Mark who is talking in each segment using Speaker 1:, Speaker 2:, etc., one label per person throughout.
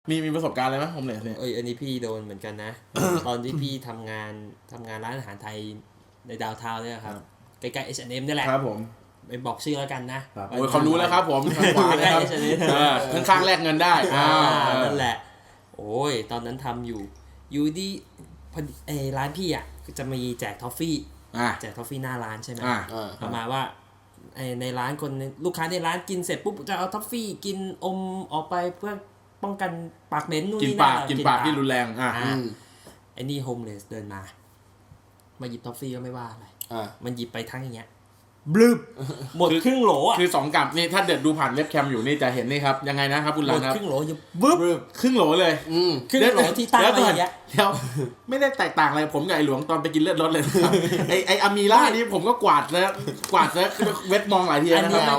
Speaker 1: มีประสบการณ์อะไรไหมโฮมเลสเนี่ย
Speaker 2: อันนี้พี่โดนเหมือนกันนะ ตอนที่พี่ทำงานร้านอาหารไทยในดาวน์ทาวน์เนี่ยครับใกล้ๆ H&M นี่แหละ
Speaker 1: ครับผม
Speaker 2: ไปบอกชื่อแล้วกันนะ
Speaker 1: โอ้ยเขารู้แล้วครับผมทางขวาเลยครับข้างๆแลกเงินได้
Speaker 2: นั่นแหละโอ้ยตอนนั้นทำอยู่ดีร้านพี่อ่ะจะมีแจกทอฟฟี่แจกทอฟฟี่หน้าร้านใช่ไหมประมาณว่าในร้านคนลูกค้าในร้านกินเสร็จปุ๊บจะเอาทอฟฟี่กินอมออกไปเพื่อป้องกันปากเหม็นนู่นนี่นั่น
Speaker 1: กินปากที่รุนแรง
Speaker 2: ไอ้นี่โฮมเลสเดินมาหยิบทอฟฟี่ก็ไม่ว่าอะไรมันหยิบไปทั้งอย่างเงี้ยบลึบหมดครึ่งโหลอ่ะ
Speaker 1: คือ2 กับนี่ถ้าเด็ดดูผ่านเว็บแคมอยู่นี่จะเห็นนี่ครับยังไงนะครับคุณลังครับ
Speaker 2: ครึ่งโหลอยู่บึ๊บ
Speaker 1: ครึ่งโหลเลย
Speaker 2: ครึ่งโหลที่ตั้งไว้อย่างเงี้ย
Speaker 1: เดี๋ยวไม่ได้แตกต่างอะไรผมกับไอ้หลวงตอนไปกินเลือดรถเลยไอ้อามีล่านี่ผมก็กวาดแล้วเว็บมองหลายทีนะ
Speaker 2: ครับ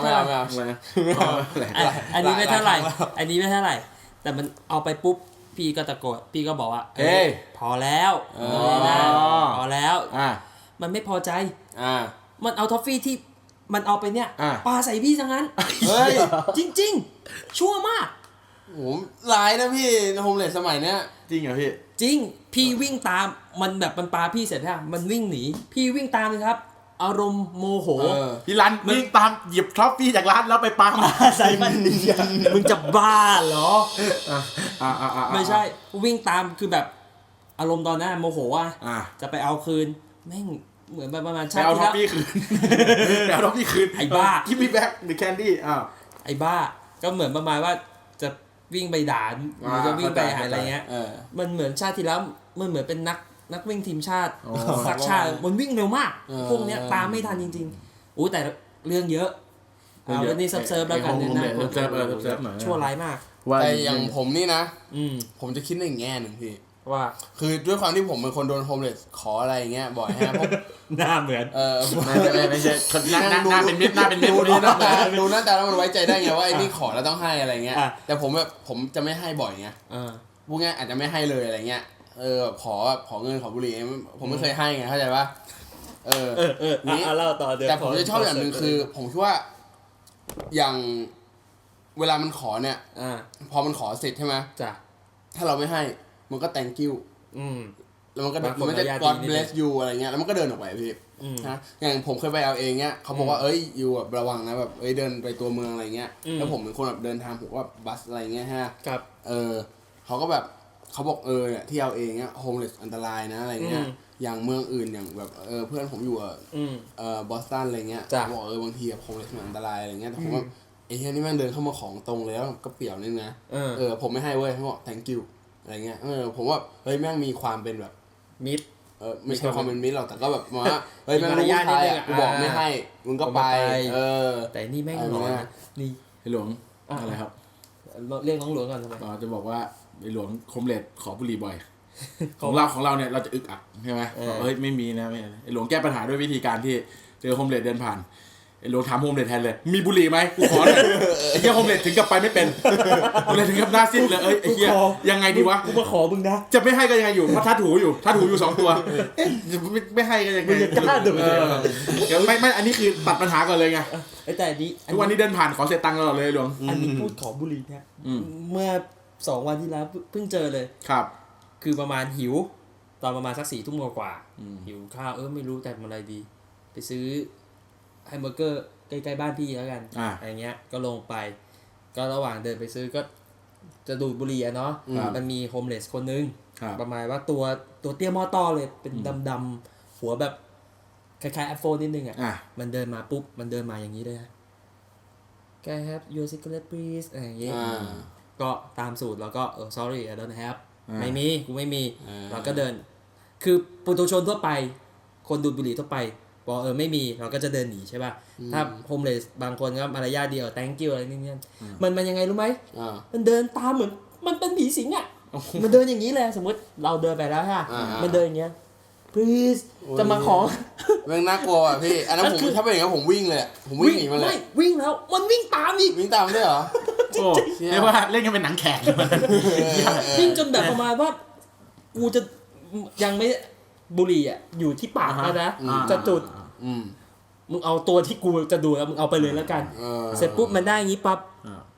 Speaker 2: อันนี้ไม่เท่าไหร่แต่มันเอาไปปุ๊บพี่ก็ตะโกนพี่ก็บอกว่าพอแล้วพอแล้วมันไม่พอใจมันเอาทอฟฟี่ที่มันเอาไปเนี่ยปาใส่พี่ซะงั้นเฮ้ยจริงๆชั่วมาก
Speaker 3: โหร้ายนะพี่โฮมเลสสมัยเนี้ย
Speaker 1: จริงเหรอพี่
Speaker 2: จริงพี่วิ่งตามมันแบบมันปาพี่เสร็จแล้วมันวิ่งหนีพี่วิ่งตามเลยครับอารมณ์โมโห
Speaker 1: พี่รันวิ่งตามหยิบทอฟฟี่จากร้านแล้วไปปา
Speaker 2: ใส่มันมึงจะบ้าเหรอไม่ใช่วิ่งตามคือแบบอารมณ์ตอนนั้นโมโหจะไปเอาคืนแม่งเหมือนประมาณ
Speaker 1: ชาติที่แล้วเอาทอฟฟี่คืน
Speaker 2: ไอ้บ้า
Speaker 1: ที่พี่แบ็คหรือแคนดี้
Speaker 2: ไอ้บ้าก็เหมือนประมาณว่าจะวิ่งไปด่าหรือจะวิ่งไปหาอะไรเงี้ยมันเหมือนชาติที่แล้วมันเหมือนเป็นนักวิ่งทีมชาติสักชาติมันวิ่งเร็วมากพวกเนี้ยตามไม่ทันจริงๆอู้แต่เรื่องเยอะวันนี้เซิร์ฟแล้วกันเนี่ยนะชั่วร้ายมาก
Speaker 3: แต่อย่างผมนี่นะผมจะคิดในอีกแง่หนึ่งพี่
Speaker 2: ว่า
Speaker 3: คือด้วยความที่ผมเป็นคนโดนโฮมเลสขออะไรอย่างเงี้ยบ่อยฮะเพราะ
Speaker 2: หน้าเหมือน
Speaker 1: ไม่ใช่หน้าเป็นมิตร
Speaker 3: ดูหน้าตาแล้วมันไว้ใจได้ไงว่าไอ้นี่ขอแล้วต้องให้อะไรเงี้ยแต่ผมจะไม่ให้บ่อยไงพวกเนี้ยอาจจะไม่ให้เลยอะไรเงี้ยขอเงินขอบุหรี่ผมไม่เคยให้ไงเข้าใจป่ะ
Speaker 2: นี่เล่าต่อเดี๋ยว
Speaker 3: แต่ผมจะชอบอย่างนึงคือผมคิดว่าอย่างเวลามันขอเนี่ยพอมันขอเสร็จใช่ไหม
Speaker 2: จ้ะ
Speaker 3: ถ้าเราไม่ให้มันก็ thank you แล้วมันจะ God bless you อะไรเงี้ยแล้วมันก็เดินออกไปพี่นะอย่างผมเคยไปเอาเองเงี้ยเขาบอกว่าอยู่แบบระวังนะแบบเดินไปตัวเมืองอะไรเงี้ยแล้วผมเป็นคนแบบเดินทางผมว่าบัสอะไรเงี้ยฮะ
Speaker 2: ครับ
Speaker 3: เขาก็แบบเขาบอกเนี่ยที่เอาเองเงี้ยโฮมเลสอันตรายนะอะไรเงี้ยอย่างเมืองอื่นอย่างแบบเพื่อนผมอยู่บอสตันอะไรเงี้ยบอกบางทีโฮมเลสมันอันตรายอะไรเงี้ยแต่ผมว่าไอ้เหี้ยนี่แม่งเดินเข้ามาของตรงเลยแล้วก็เปี่ยวนิดนะผมไม่ให้เว้ยเขาบอก thank youอะไรเงี้ยผมว่าเฮ้ยแม่งมีความเป็นแบบ
Speaker 2: มิด
Speaker 3: ไม่ใช่ความเป็นมิดหรอกแต่ก็แบบว่าเฮ้ยแม่งรู้ทายกูบอกไม่ให้มึงก็ไป
Speaker 2: แต่นี่แม่งหลอนนี่
Speaker 1: ไอ้หลวงอะไรครับ
Speaker 2: เรียกน้องหลวงก่อนทำไม
Speaker 1: จะบอกว่าไอ้หลวงโฮมเลสขอบุหรี่บ่อยของเราเนี่ยเราจะอึกอักใช่ไหมเฮ้ยไม่มีนะไม่ไอ้หลวงแก้ปัญหาด้วยวิธีการที่เจอโฮมเลสเดินผ่านไอ้หลวงถามโฮมเลสแทนเลยมีบุหรี่ไหมกูขอหน่อยไอ้เหี้ยโฮมเลสถึงกับไปไม่เป็นโฮมเลสถึงกับหน้าซีดเลยไอ้เหี้ยยังไงดีวะ
Speaker 2: กูมาขอมึงนะ
Speaker 1: จะไม่ให้ก็ยังไงอยู่เพราะทัดหูอยู่2 ตัวไม่ให้ก็ยังไง
Speaker 2: มึงจะกล้าดู
Speaker 1: ไม่อันนี้คือตัดปัญหาก่อนเลยไง
Speaker 2: แต่อันนี้
Speaker 1: ทุกวันนี้เดินผ่านขอเสียตังค์ตลอดเลยหลวง
Speaker 2: อันนี้พูดขอบุหรี่เนี่ยเมื่อ2 วันที่แล้วเพิ่งเจอเลย
Speaker 1: ครับ
Speaker 2: คือประมาณหิวตอนประมาณสัก4 ทุ่มกว่าหิวข้าวไม่รู้แต่ทำอะไรดีไปซื้อแฮมเบอร์เกอร์ใกล้ๆบ้านพี่แล้วกันอะไรเงี้ยก็ลงไปก็ระหว่างเดินไปซื้อก็จะดูดบุหรี่เนาะมันมีโฮมเลสคนนึงประมาณว่าตัวเตี้ยมอต้อเลยเป็นดำๆหัวแบบคล้ายๆแอปโฟนนิดนึงมันเดินมาปุ๊บมันเดินมาอย่างนี้เลยCan I have your cigarette please อะไรอย่างเงี้ยก็ตามสูตรแล้วก็ sorry I don't have ไม่มีกูไม่มีเราก็เดินคือปุถุชนทั่วไปคนดูดบุหรี่ทั่วไปบอกไม่มีเราก็จะเดินหนีใช่ป่ะถ้าโฮมเลสบางคนก็มารยาทดีthank you อะไรนี่มันยังไงรู้ไหมมันเดินตามเหมือนมันเป็นผีสิงอ่ะมันเดินอย่างนี้เลยสมมติเราเดินไปแล้วฮะมันเดินอย่างเงี้ย please จะมาขอ
Speaker 3: แม่งน่ากลัวอ่ะพี่อันนั้นผมถ้าเป็นอย่างนั้นผมวิ่งเลยผมวิ่งหนีมันเลย
Speaker 2: ไม่วิ่งแล้วมันวิ่งตามอีก
Speaker 3: วิ่งตามด้วยเหรอ
Speaker 1: โอ้เรียกว่าเล่นกันเป็นหนังแขก
Speaker 2: วิ่งจนแบบประมาณว่ากูจะยังไม่บุหรี่อ่ะอยู่ที่ปากแล้วนะจะจุดมึงเอาตัวที่กูจะดูแล้วมึงเอาไปเลยแล้วกันเสร็จปุ๊บมันได้อย่างงี้ปั๊บ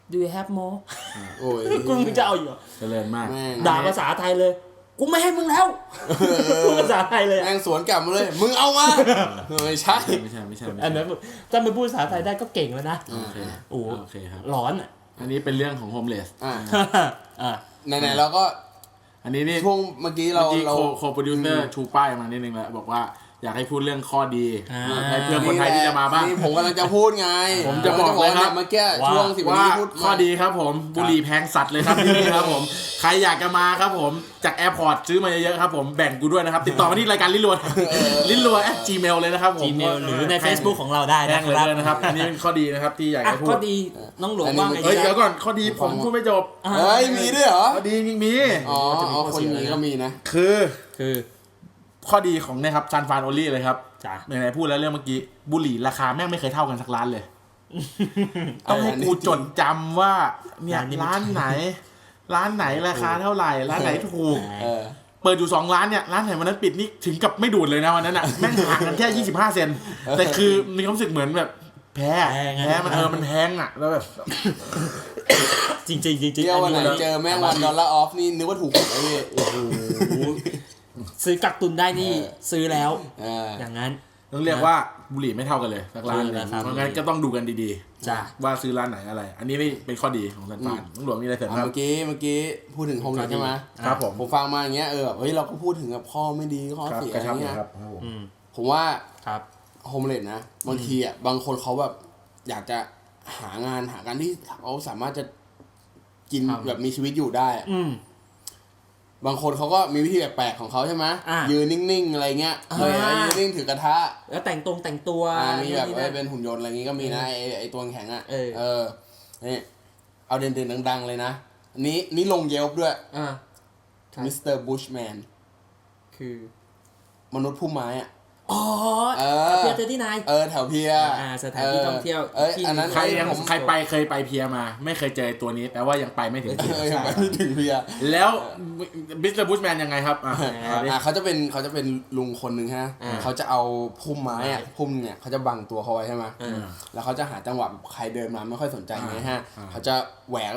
Speaker 2: do you have more
Speaker 3: โอ้ย
Speaker 2: กูมึงจะเอาอยู่
Speaker 1: เจริญมาก
Speaker 3: แม่ง
Speaker 2: ด่าภาษาไทยเลยกูไม่ให้มึงแล้วพูดภาษาไทยเลย
Speaker 3: แม่งสวนกลับมาเลยมึงเอามาไม่ใช่
Speaker 1: ไม่ใช่
Speaker 2: อันนั้นถ้ามันพูดภาษาไทยได้ก็เก่งแล้วนะ
Speaker 1: โอเค
Speaker 2: โอ้
Speaker 1: โอเคครับ
Speaker 2: ร้อนอ่ะ
Speaker 1: อันนี้เป็นเรื่องของโฮมเลส
Speaker 2: อ่า
Speaker 3: ไหนๆเราก็
Speaker 1: อันนี้นี่
Speaker 3: ช่วงเมื่อกี้เรา
Speaker 1: โคโปรดิวเซอร์ชูป้ายมานิดนึงแล้วบอกว่าอยากให้พูดเรื่องข้อดีให้เพื่อนคนไทยที่จะมาบ้าง
Speaker 3: นี่ผมกำลังจะพูดไง
Speaker 1: ผมจะบอกเลยครับ
Speaker 3: เมื่อกี้ช่วง10
Speaker 1: ว่า
Speaker 3: นาทีพูด
Speaker 1: ข้อดีครับผมบุหรี่แพงสัตว์เลยครับที่นี่ครับผมใครอยากจะมาครับผมจากแอร์พอร์ตซื้อมาเยอะๆครับผมแบ่งกูด้วยนะครับติดต่อมาที่รายการลิ้นรัวลิ้นรัว@gmail เลยนะครับผม
Speaker 2: Gmail หรือใน Facebook ของเราได้
Speaker 1: แพ
Speaker 2: นะ
Speaker 1: ง
Speaker 2: ค
Speaker 1: เลย
Speaker 2: รับ
Speaker 1: นะครับอันนี้เป็นข้อดีนะครับที่อยาก
Speaker 2: อ่ะ
Speaker 1: จะพู
Speaker 2: ข้อ
Speaker 1: ด
Speaker 2: ดีน้องหลวงว่าไง
Speaker 1: เฮ้ย
Speaker 2: จ๊ะ
Speaker 1: เดี๋ยวก่อนข้อดีผมพูดไม่จบ
Speaker 3: เฮ้ยมีด้วยเหรอ
Speaker 1: ข้อดีจริงมี
Speaker 3: อ๋อคนนี้ก็มีนะ
Speaker 1: คือ
Speaker 2: คือ
Speaker 1: ข้อดีของเนี่ยครับซันฟานโอลี่เลยครับ
Speaker 2: จ้ะ
Speaker 1: ไหนๆพูดแล้วเรื่องเมื่อกี้บุหรี่ราคาแม่งไม่เคยเท่ากันสักร้านเลย ต้องให้กูจดจำว่าเนี่ยร้านไหนราคาเท่าไหร่ร้านไหนถูก เปิดอยู่2ร้านเนี่ยร้านไหนวันนั้นปิดนี่ถึงกับไม่ดูดเลยนะวันนั้นอ่ะแม่งห่างกันแค่25 เซนแต่คือมีความรู้สึกเหมือนแบบแพ้มันแพงอ่ะแล้วแบบ
Speaker 2: จริงๆจริง
Speaker 3: เที่ยววันไหนเจอแม่ง$1 off นี่นึกว่าถูกหวยพี่
Speaker 2: ซื้อกักตุนได้นี่ซื้อแล้ว
Speaker 3: อ
Speaker 2: อย่างนั้น
Speaker 1: ต้องเรียกว่าบุหรี่ไม่เท่ากันเลยสักร้านเลย
Speaker 2: ครับ
Speaker 1: เพราะงั้นก็ต้องดูกันดี
Speaker 2: จ้ะ
Speaker 1: ๆว่าซื้อร้านไหนอะไร อันนี้ไม่เป็นข้อดีของซันฟานต้องหลวงมีอะไรเสริมครับ
Speaker 3: เมื่อกี้พูดถึงโฮมเลสใช่ไหม
Speaker 1: ครับผม
Speaker 3: ผมฟังมาอย่างเงี้ยแบบเฮ้ยเราก็พูดถึงแบบข้อไม่ดีข้อ
Speaker 1: ครับ
Speaker 3: เสีย
Speaker 1: ก
Speaker 3: อะ
Speaker 1: ระ
Speaker 3: ไร
Speaker 1: ชับ
Speaker 3: เงี้ย
Speaker 1: ครับ
Speaker 3: ผมว่า
Speaker 2: ครับ
Speaker 3: โฮมเลสนะบางทีอ่ะบางคนเขาแบบอยากจะหางานที่เขาสามารถจะกิน
Speaker 2: ครับ
Speaker 3: แบบมีชีวิตอยู่ได้อะ บางคนเขาก็มีวิธีแปลกๆของเขาใช่ไหม
Speaker 2: อ่ะ
Speaker 3: ยืนนิ่งๆอะไรเงี้ยยืนนิ่งถือกระทะ
Speaker 2: แล้วแต่งตัว
Speaker 3: มีแบบ
Speaker 2: นี่นะ
Speaker 3: เป็นหุ่นยนต์อะไรงี้ก็มีนะไอตัวแข็งอ่ะ
Speaker 2: เออ
Speaker 3: นี่เอาเด่นๆดังๆเลยนะอันนี้ลงเยลป์ด้วย
Speaker 2: ครับ
Speaker 3: มิสเตอร์บูชแมน
Speaker 2: คือ
Speaker 3: มนุษย์ผู้ไม้อ่ะ
Speaker 2: อ๋อ
Speaker 3: อ
Speaker 2: เพียเจอที่ไหน
Speaker 3: แถวเพีย
Speaker 2: สถานที่ท่องเที่ยว ที่
Speaker 3: อันนั้น
Speaker 1: ใครเคยไปเพียมา ไม่เคยเจอตัวนี้แปลว่ายังไปไม่ถึงเพีย
Speaker 3: ยังไปไม่ถึงเพีย
Speaker 1: แล้วมิสเตอร์บูชแมนยังไงครับ
Speaker 3: เขาจะเป็นลุงคนหนึ่งฮะเขาจะเอาพุ่มไม้อ่ะพุ่มเนี่ยเขาจะบังตัวเขาไว้ใช่ไหมแล้วเขาจะหาจังหวะใครเดินมาไม่ค่อยสนใจไงฮะเขาจะแหวก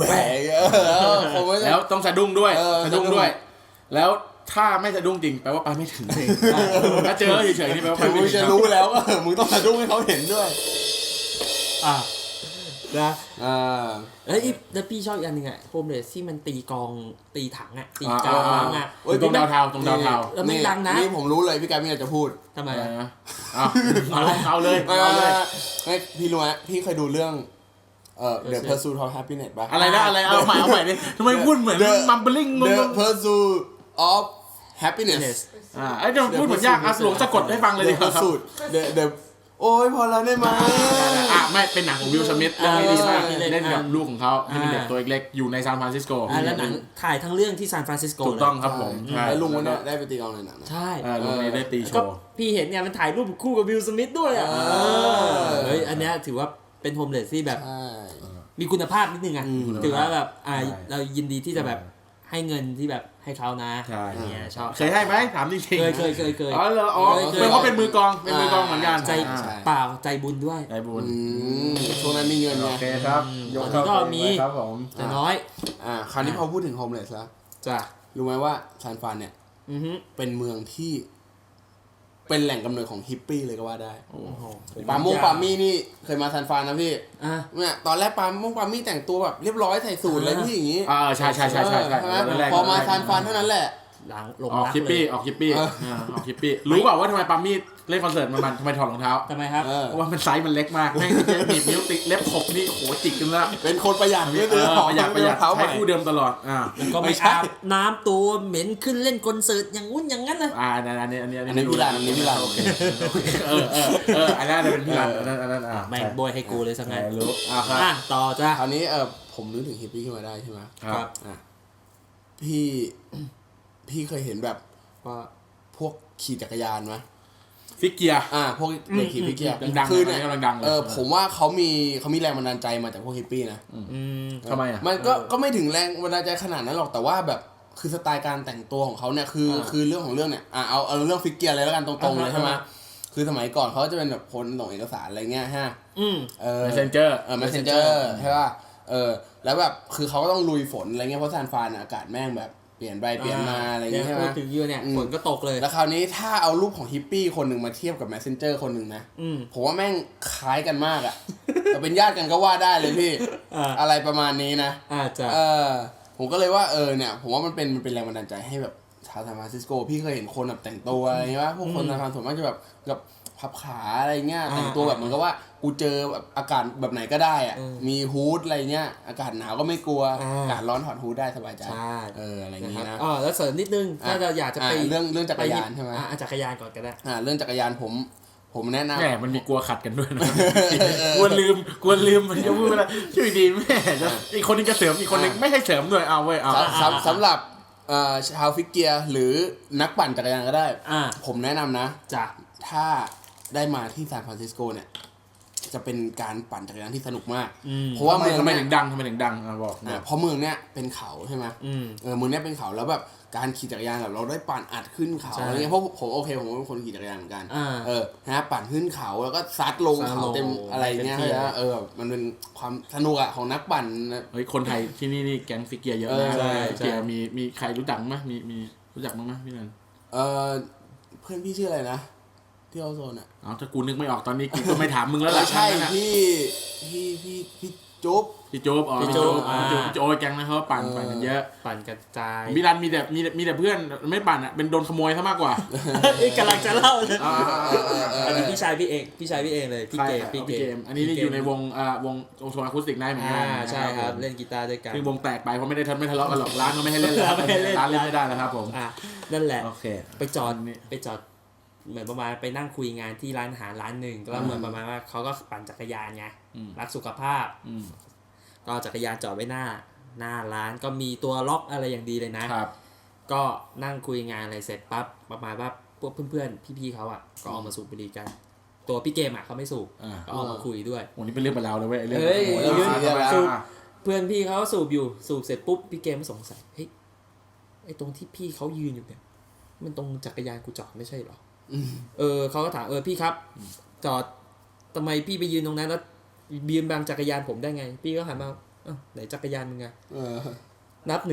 Speaker 1: แล้วต้องสะดุ้งด้วยแล้วถ้าไม่สะดุ้งจริงแปลว่าไปไม่ถึงถ้าเจอเฉยๆนี่แปลว่าไป
Speaker 3: มึ
Speaker 1: ไม่
Speaker 3: ง
Speaker 1: ถึง
Speaker 3: จะรู้แล้วมึงต้องสะดุ้งให้เขาเห็นด้วย
Speaker 2: นะแล้วพี่ชอบอีกอันหนึ่งอ่ะโฮมเลสที่มันตีกองตีถังอ่ะตีกองอ่ะ
Speaker 1: ตรงดาวเทา
Speaker 2: แล้วไม่ดังนะ
Speaker 3: นี่ผมรู้เลยพี่กายมีอะไรจะพูด
Speaker 2: ทำไม
Speaker 1: เอาเลย
Speaker 3: ไม่พี่รู้ไหมพี่เคยดูเรื่องThe Pursuit of Happiness ป่ะ
Speaker 1: อะไรนะอะไรเอาใหม่ดิทำไมพูดเหมือนมัมเบลิงง
Speaker 3: The Pursuit of Happiness
Speaker 1: ไอ้เดี๋ยวพูดเหมือนยากหลวงสะกดให้ฟังเลยดิ
Speaker 3: The Pursuit The โอ้ยพอแล้วได้ไหม
Speaker 1: ไม่เป็นหนังของวิลสมิธเรื่องนี้ดีมากเล่นกับลูกของเขาที่เป็นเด็กตัวเล็กๆอยู่ในซานฟรานซิสโก
Speaker 2: แล้วหนังถ่ายทั้งเรื่องที่ซานฟรานซิสโก
Speaker 1: ถูกต้องครับผม
Speaker 3: แล้วลุงวันนี้ได้ไปตีกลองในหนังนะ
Speaker 2: ใช่
Speaker 1: ลุงนี้ได้ตีโช
Speaker 2: ก็
Speaker 1: ว์
Speaker 2: พี่เห็นเนี่ยมันถ่ายรูปคู่กับวิลสมิธด้วยอ่ะเฮ้ยอันเนี้ยถือว่าเป็นโฮมเลสที่แบบมีคุณภาพนิดนึงอ่ะถือว่าแบบเรายินดีที่จะแบบให้เงินที่แบบให้เขานะเนี่ยชอบ
Speaker 1: เคยให้ไหมถามจริงๆ
Speaker 2: เคย
Speaker 1: อ๋อเหรอเพราะเป็นมือกองเหมือนกัน
Speaker 2: ใจเปล่าใจบุญด้วย
Speaker 1: ใจบุญ
Speaker 3: ช่วงนั้นมีเงินไง
Speaker 1: โอเคครับ
Speaker 2: ตอนนี้ก็มี
Speaker 1: ครับผม
Speaker 2: แต่น้อย
Speaker 3: คราวนี้พอพูดถึงโฮมเลสแล้ว
Speaker 2: จ้ะ
Speaker 3: รู้ไหมว่าซานฟรานเนี่ยเป็นเมืองที่เป็นแหล่งกำเนิดของฮิปปี้เลยก็ว่าได้ปามี่นี่เคยมาซานฟรานนะพี่เนี่ยตอนแรกปามี่แต่งตัวแบบเรียบร้อยใส่สูทอะไรพี่อย่างงี้
Speaker 1: ใช่
Speaker 3: พอมาซานฟรานเท่านั้นแหละ
Speaker 2: หลังลง
Speaker 1: ออก
Speaker 2: รัก
Speaker 1: คิปปี้
Speaker 2: เลย
Speaker 1: ออกคิปปี้รู้เปล่าว่าทำไมปามี่เล่นคอนเสิร์ตมันทำไมถอดรองเท้า
Speaker 2: ทำไมครับ
Speaker 1: เพราะว่ามันไซส์มันเล็กมากแม่งหนีบนิ้วติดเล็บขบนี่โหจิกกันละ
Speaker 3: เป็นคนประหยัดนี่เลย
Speaker 1: ประหยัดใช้คู่เดิมตลอด
Speaker 2: ก็ไม่อาบน้ำตัวเหม็นขึ้นเล่นคอนเสิร์ตอย่างงุ้นอย่างนั้นเลย
Speaker 1: อันนี้
Speaker 3: พี่รัน
Speaker 1: โอเคอันนั้นเป็นพี่รันอันนั้น
Speaker 2: แม่งโบยให้กูเลยสักงั้น
Speaker 1: รู้
Speaker 2: ต่อจ้ะ
Speaker 3: คราวนี้ผมนึกถึงฮิปปี้ขึ้นมาได้ใช่ไหม
Speaker 1: ครับ
Speaker 3: พี่เคยเห็นแบบว่าพวกขี่จักรยานไหม
Speaker 1: ฟิกเกียร์
Speaker 3: พวกเด็กขี่ฟิกเกียร์
Speaker 1: ดังๆ
Speaker 3: คือเนี่ย
Speaker 1: กำลังดังเลย
Speaker 3: ผมว่าเขามีแรงบันดาลใจมาจากพวกฮิปปี้นะ
Speaker 1: ทำไมอ่ะ
Speaker 3: มันก็ไม่ถึงแรงบันดาลใจขนาดนั้นหรอกแต่ว่าแบบคือสไตล์การแต่งตัวของเขาเนี่ยคือเรื่องของเรื่องเนี่ยเอาเรื่องฟิกเกียร์เลยแล้วกันตรงๆเลยใช่ไหมคือสมัยก่อนเขาจะเป็นแบบคนส่งเอกสารอะไรเงี้ยฮะ
Speaker 1: Messenger
Speaker 3: Messenger ใช่ป่ะแล้วแบบคือเขาก็ต้องลุยฝนอะไรเงี้ยเพราะซานฟรานอากาศแม่งแบบเปลี่ยนไปเปลี่ยนมาอะไรเงี้ยใช่ไหม
Speaker 2: ถึงยูเนี่ยฝนก็ตกเลย
Speaker 3: แล้วคราวนี้ถ้าเอารูปของฮิปปี้คนหนึ่งมาเทียบกับแมสเซนเจอร์คนหนึ่งนะผมว่าแม่งคล้ายกันมากอ่ะแต่เป็นญาติกันก็ว่าได้เลยพี่อะไรประมาณนี้นะผมก็เลยว่าเนี่ยผมว่ามันเป็นแรงบันดาลใจให้แบบชาวซานฟรานซิสโกพี่เคยเห็นคนแบบแต่งตัวอะไรเงี้ยว่าพวกคนซานฟรานส่วนมากจะแบบพับขาอะไรเงี้ยแต่งตัวแบบเหมือนกับว่ากูเจอแบบอากาศแบบไหนก็ได้อ่ะมีฮู้ดอะไรเงี้ยอากาศหนาวก็ไม่กลัวอากาศร้อนถอดฮู้ดได้สบายใจอะไรอย่างงี้นะ
Speaker 2: แล้วเสริมนิดนึงถ้าเราอยากจะไป
Speaker 3: เรื่องจักรยานใช่ไหม
Speaker 2: จักรยานก่อนก็ได้
Speaker 3: เรื่องจักรยานผมแนะนำ
Speaker 1: แหมมันมีกลัวขัดกันด้วยนะกลัวลืมมันจะพูดอะไรช่วยดีแม่อีกคนนึงจะเสริมอีกคนนึงไม่ให้เสริมด้วยเอาเว้ยเอา
Speaker 3: สำหรับชาวฟิกเกียร์หรือนักปั่นจักรยานก็ได้ผมแนะนำนะถ้าได้มาที่ซานฟรานซิสโกเนี่ยจะเป็นการปั่นจักรยานที่สนุกมากเพราะว่าเมือง
Speaker 1: ทำไมถึงดังบอก
Speaker 3: เพราะเมืองเนี้ยเป็นเขาใช่ไหมเมืองเนี้ยเป็นเขาแล้วแบบการขี่จักรยานแบบเราได้ปั่นอัดขึ้นเขาอะไรเงี้ยเพราะผมผมเป็นคนขี่จักรยานเหมือนกันนะปั่นขึ้นเขาแล้วก็ซัดลงเขาเต็มอะไรเงี้ยมันเป็นความสนุกอะของนักปั่น
Speaker 1: เฮ้ยคนไทยที่นี่แก๊งฟิกเกียร์เยอะนะเกียร์มีใครรู้จักมั้ยมีรู้จักมั้ยพี่นัน
Speaker 3: เพื่อนพี่ชื่ออะไรนะที่เอาโซนอะ
Speaker 1: ถ้ากูนึกไม่ออกตอนนี้กูก็ไม่ถามมึงแล้วล่ะ
Speaker 3: ใช่พี่จุ๊บ
Speaker 1: พี่โจ๊บพี่โจ๊บแก๊งนะเขาปั่นกันเยอะ
Speaker 2: ปั่นกระจาย
Speaker 1: มิลันมีแต่เพื่อนไม่ปั่นอ่ะเป็นโดนขโมยซะมากกว่า
Speaker 2: กำลังจะเล่าเลยอันนี้พี่ชายพี่เองเลยพี่เกม
Speaker 1: อันนี้อยู่ในวงโซนอะคูสติกไนท์เหมือนกัน
Speaker 2: ใช่ครับเล่นกีตาร์ด้วยกัน
Speaker 1: คือวงแตกไปเพราะไม่ทะเลาะกันหรอกร้านก็ไม่ให้เล่นแล้วร้านเล่นไม่ได้แล้วครับผม
Speaker 2: นั่นแหละไปจอดเหมือนประมาณไปนั่งคุยงานที่ร้านอาหารร้านหนึ่งก็เหมือนประมาณว่าเขาก็ปั่นจักรยานไงรักสุขภาพก็จักรยานจอดไว้หน้าร้านก็มีตัวล็อกอะไรอย่างดีเลยนะครับก็นั่งคุยงานอะไรเสร็จปั๊บประมาณว่าพวกเพื่อนๆพี่ๆเขาอ่ะก็ออกมาสูบบุหรี่กันตัวพี่เกมอ่ะเขาไม่สูบก็ออกมาคุยด้วย
Speaker 1: วันนี้เป็นเรื่องเป็นราวเลยเว้ย
Speaker 2: เรื่องสูบเพื่อนพี่เขาสูบเสร็จปุ๊บพี่เกมสงสัยเฮ้ยไอ้ตรงที่พี่เขายืนอยู่เนี่ยมันตรงจักรยานกูจอดไม่ใช่หรอเขาก็ถามพี่ครับจอดทำไมพี่ไปยืนตรงนั้นแล้วยืนบังจักรยานผมได้ไงพี่ก็หันมาไหนจักรยานมึงไงนับ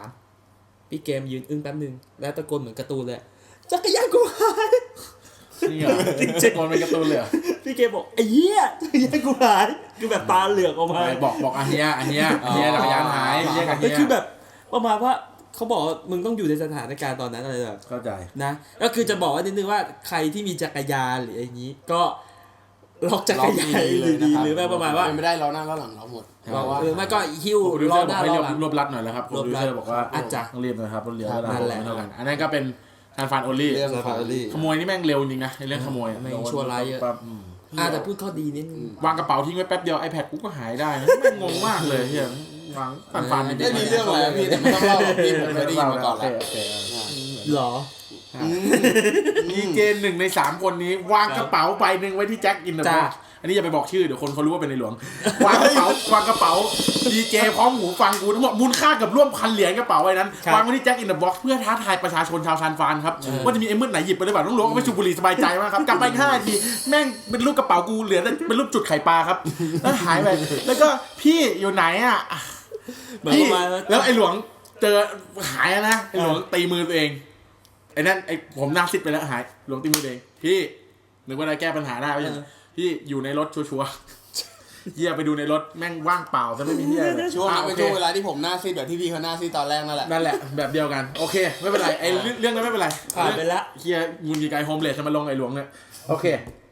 Speaker 2: 1-3พี่เกมยืนอึ้งแป๊บนึงแล้วตะโกนเหมือนการ์ตูนเลยจักรยานกูหาย
Speaker 1: นี่เหรอจริงๆมันเป็นการ์ตูนเลย
Speaker 2: พี่เกมบอกไอ้เหี้ยจักรยานกูหายคือแบบตาเหลือกออกมา
Speaker 1: บอกอันเนี้ยจักรยานหายเรียกอันเนี้ย
Speaker 2: คือแบบประมาณว่าเขาบอกมึงต้องอยู่ในสถานการณ์ตอนนั้นอะไรแบบ
Speaker 1: เข้าใจ
Speaker 2: นะก็คือจะบอกว่านิดนึงว่าใครที่มีจักรยานหรืออย่างนี้ก็ล็อกจักรยานดีหรือแบบประมาณว่า
Speaker 3: ไม่ได้ล้อหน้าล้อหลังเราหมด
Speaker 2: ไม่ก็หิ้วล้อหน้าล้อหลัง
Speaker 1: รวบรัดหน่อยแล้วครับโปรดิวเซอร์บอกว่าต้องรีบนะครับรถเลี้ยวเท่ากันอันนั้นก็เป็นซานฟรานโอลี่ขโมยนี่แม่งเร็วจริงนะในเรื่องขโมย
Speaker 2: ไม่ชั่วร้ายเยอะแต่พูดข้อดีนิดนึง
Speaker 1: วางกระเป๋าทิ้งไว้แป๊บเดียว iPad กูก็หายได้นะแม่งงงมากเลยเฮียวางฟัน
Speaker 3: ไม่มีเรื่องอะไรพี่แต่ไม่ต้องเล่าพี่ผมไม่ได้ยินมาก่อนแล้ว
Speaker 2: หรอ
Speaker 1: มีเกณฑ์1 ใน 3คนนี้วางกระเป๋าใบนึงไว้ที่แจ็คอินเดอะบ็อกซ์อันนี้อย่าไปบอกชื่อเดี๋ยวคนเขารู้ว่าเป็นในหลวงวางกระเป๋าดีเจพร้อมหูฟังกูทั้งหมดมูลค่ากับร่วม1,000 เหรียญกระเป๋าไว้นั้นวางไว้ที่แจ็คอินเดอะบ็อกซ์เพื่อท้าทายประชาชนชาวซานฟรานครับว่าจะมีไอ้มืดไหนหยิบไปหรือเปล่าต้องรู้ว่าไปสูบบุหรี่สบายใจมากครับกลับไป5 นาทีแม่งเป็นรูปกระเป๋ากูเหลือเป็นรูปจุดไข่ปลาครับแล้วหายไปแล้วก็พี่อยู่ไหนอ่ะพี่แล้วไอ้หลวงเจอหายนะไอ้หลวงตีมือตัวเองไอ้นั่นไอ้ผมหน้าซิดไปแล้วหายหลวงตีมือตัวเองพี่นึกว่าได้แก้ปัญหาได้ไหมพี่อยู่ในรถชัวร์เหี้ยไปดูในรถแม่งว่างเปล่าซะไม่มีเหี้ย
Speaker 3: ช่วงนั้นเป็นช่วงเวลาที่ผมหน้าซีดแบบที่พี่เขาหน้าซีดตอนแรกนั่นแหละ
Speaker 1: แบบเดียวกันโอเคไม่เป็นไรไอ้เรื่องนั้นไม่เป็นไร
Speaker 2: ผ่านไปละ
Speaker 1: เหี้ยมูลกี่ไกโฮมเลสมาลงไอ้หลวงเนี่ยโอเค